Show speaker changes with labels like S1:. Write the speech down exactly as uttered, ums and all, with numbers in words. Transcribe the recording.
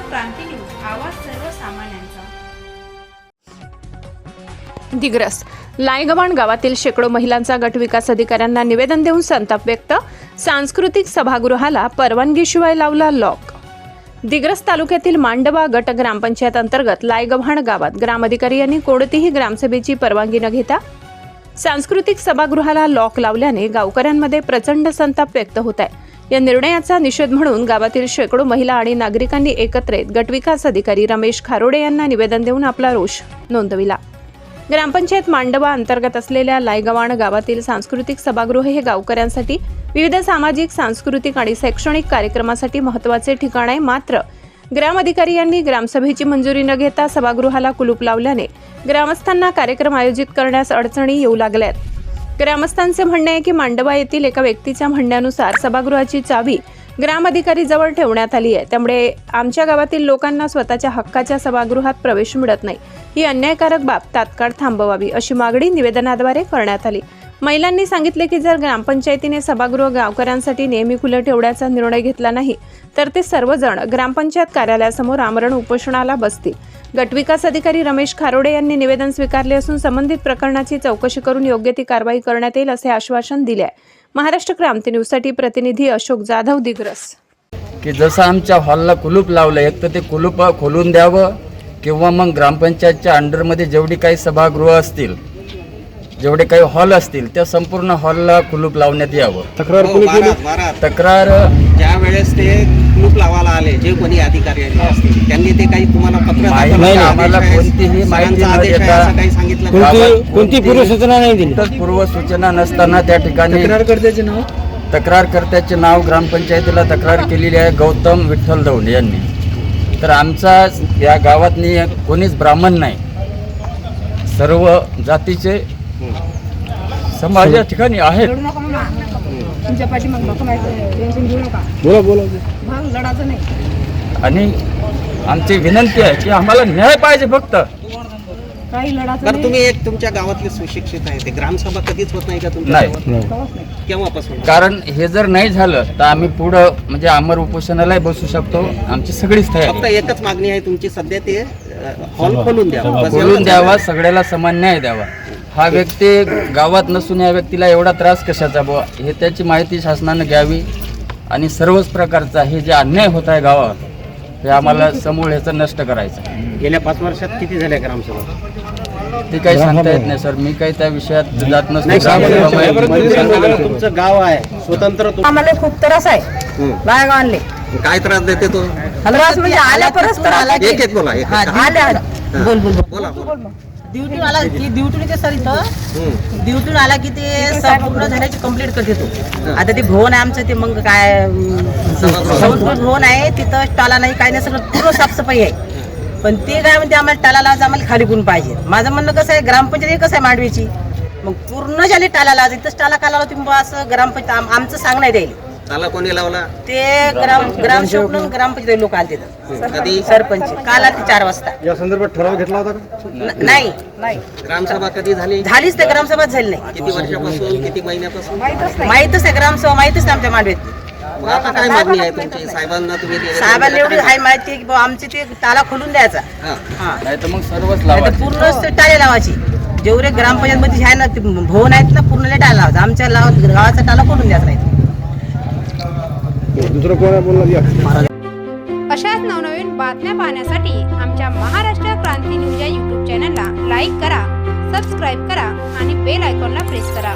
S1: क्रांती news, आवाज सर्वसामान्यांचा.
S2: दिग्रस लायगव्हाण गावातील शेकडो महिलांचा गट विकास अधिकाऱ्यांना निवेदन देऊन संताप व्यक्त. सांस्कृतिक सभागृहाला परवानगीशिवाय लावला लॉक. दिग्रस तालुक्यातील मांडवा गट ग्रामपंचायत अंतर्गत लायगव्हाण गावात ग्रामधिकारी यांनी कोणतीही ग्रामसभेची परवानगी न घेता सांस्कृतिक सभागृहाला लॉक लावल्याने गावकऱ्यांमध्ये प्रचंड संताप व्यक्त होत आहे. या निर्णयाचा निषेध म्हणून गावातील शेकडो महिला आणि नागरिकांनी एकत्र येत गटविकास अधिकारी रमेश खारोडे यांना निवेदन देऊन आपला रोष नोंदविला. ग्रामपंचायत मांडवा अंतर्गत असलेल्या लायगव्हाण गावातील सांस्कृतिक सभागृह हे गावकऱ्यांसाठी विविध सामाजिक, सांस्कृतिक आणि शैक्षणिक कार्यक्रमासाठी महत्त्वाचे ठिकाण आहे. मात्र ग्रामधिकारी यांनी ग्रामसभेची मंजुरी न घेता सभागृहाला कुलूप लावल्याने ग्रामस्थांना कार्यक्रम आयोजित करण्यास अडचणी येऊ लागल्यात. ग्रामस्थांचे म्हणणे आहे की मांडवा येथील एका व्यक्तीच्या म्हणण्यानुसार सभागृहाची चावी ग्रामधिकारी जवळ ठेवण्यात आली आहे. त्यामुळे आमच्या गावातील लोकांना स्वतःच्या हक्काच्या सभागृहात प्रवेश मिळत नाही. ही अन्यायकारक बाब तात्काळ थांबवावी अशी मागणी निवेदनाद्वारे करण्यात आली. महिलांनी सांगितले की जर ग्रामपंचायतीने सभागृह गावकऱ्यांसाठी नेहमी खुले ठेवण्याचा निर्णय घेतला नाही तर ते सर्वजण ग्रामपंचायत कार्यालयासमोर आमरण उपोषणाला बसतील. गटविकास अधिकारी रमेश खारोडे यांनी निवेदन स्वीकारले असून संबंधित प्रकरणाची चौकशी करून योग्य ती कारवाई करण्यात येईल असे आश्वासन दिले आहे. महाराष्ट्र क्रांती न्यूजसाठी प्रतिनिधी अशोक जाधव, दिग्रस.
S3: की जसं आमच्या हॉलला कुलूप लावलं, एक तर ते कुलूप खोलून द्यावं किंवा मग ग्रामपंचायतच्या अंडरमध्ये जेवढी काही सभागृह असतील, जेवढे काही हॉल असतील त्या संपूर्ण हॉलला कुलूप लावण्यात यावं.
S4: तक्रार कोणी केली?
S3: तक्रार
S4: ज्या वेळेस ते कुलूप लावायला आले, जे कोणी अधिकारी असतील त्यांनी ते काही तुम्हाला पत्र
S3: नाही, आम्हाला कोणतीही माहिती न देता
S4: काही सांगितलं?
S3: कोणती
S5: कोणती पूर्वसूचना नाही दिली.
S3: पूर्वसूचना नसताना त्या ठिकाणी
S4: तक्रारकर्त्याचे नाव
S3: तक्रारकर्त्याचे नाव ग्रामपंचायतीला तक्रार केलेली आहे गौतम विठ्ठल दौंड यांनी. तर आमचा या गावातनी कोणीच ब्राह्मण नाही, सर्व जातीचे समाज या ठिकाणी आहेत.
S5: बोला बोला
S3: आणि आमची विनंती आहे की आम्हाला न्याय पाहिजे फक्त.
S4: तर तुम्ही एक तुमच्या गावातले सुशिक्षित आहे, ते ग्रामसभा कधीच होत नाही का तुमच्या
S3: नाही.
S4: गावात? केव्हापासून?
S3: कारण हे जर नाही झालं तर आम्ही पुढं म्हणजे आमर उपोषणालाही बसू शकतो. आमची सगळीच
S4: फक्त
S3: तयारी.
S4: एकच मागणी आहे तुमची सध्या, ते हॉल खोलून द्यावा, बस
S3: बोलून
S4: एवढंच.
S3: द्यावा, सगळ्याला समान न्याय द्यावा. हा व्यक्ती गावात नसून या व्यक्तीला एवढा त्रास कशाचा बुवा, हे त्याची माहिती शासनानं घ्यावी. आणि सर्वच प्रकारचा हे जे अन्याय होत आहे गावात हे आम्हाला समूळ ह्याचं नष्ट करायचं.
S4: गेल्या पाच वर्षात किती झाल्या ग्रामसभा?
S3: ते काही सांगता येत नाही सर, मी काही त्या विषयात जात नसतो.
S4: तुमचं गाव आहे स्वतंत्र, तु-
S6: आम्हाला खूप त्रास आहे लायगावले.
S4: काय त्रास देते तो?
S6: त्रास म्हणजे आल्या परत तर आला
S4: एक एक बोला, एक एक.
S6: आल्या आल्या. बोल बोल बोल.
S4: बोला बोला.
S6: ड्युटी आला की ड्युटी ते सर इथं
S4: हम्म.
S6: ड्युटी आला की ते संपूर्ण झाल्याची कंप्लीट करते तो. आता ते भवन आहे आमचं, ते मग काय संस्कृत भवन आहे, तिथं टाला नाही काय नाही, सगळं पूर्ण साफसफाई आहे. पण ते काय म्हणते आम्हाला टाला लावायचं, आम्हाला खाली गुण पाहिजे. माझं म्हणणं कसं आहे, ग्रामपंचायत कसं आहे मांडवीची, मग पूर्ण झाली टाला लावायचं. इथंच टाला का लावला तुम्ही असं ग्रामपंचायत आम- आमचं सांग नाही द्यायला.
S4: त्याला कोणी लावला?
S6: ते ग्राम ग्रामसेवक ग्रामपंचायत लोक आले तिथं,
S4: कधी?
S6: सरपंच काल आले चार वाजता.
S5: या संदर्भात ठराव घेतला होता का?
S6: न- नाही नाही
S4: ग्रामसभा कधी झाली?
S6: झालीच ते ग्रामसभा झाली नाही.
S4: किती वर्षापासून, किती महिन्यापासून?
S6: माहितच आहे ग्रामसभा, माहितच नाही आमच्या मांडवीत.
S4: मग आता काय मागणी आहे तुमची साहेबांना? तुम्ही ते-
S6: साहेबांना एवढी हाय माहिती आहे की बुवा आमचे ते ताला खोलून द्यायचा.
S4: हा.
S6: हा
S3: नाही तर मग सर्वच
S6: नाही तर
S3: लावायचं.
S6: पूर्णच ते टाळे लावायची. जेवढे ग्रामपंचायत मध्ये आहे ना ते भवन आहेत ना, पूर्ण टाळा लावायचा. आमच्या लाव गावाचा टाला खोलून द्यायचा नाही.
S5: दुसरं कोणा बोलला?
S1: अशाच नवनवीन बातम्या पाहण्यासाठी आमच्या महाराष्ट्र क्रांती न्यूज या यूट्यूब चॅनलला लाईक करा, सबस्क्राईब करा आणि बेल आयकॉनला प्रेस करा.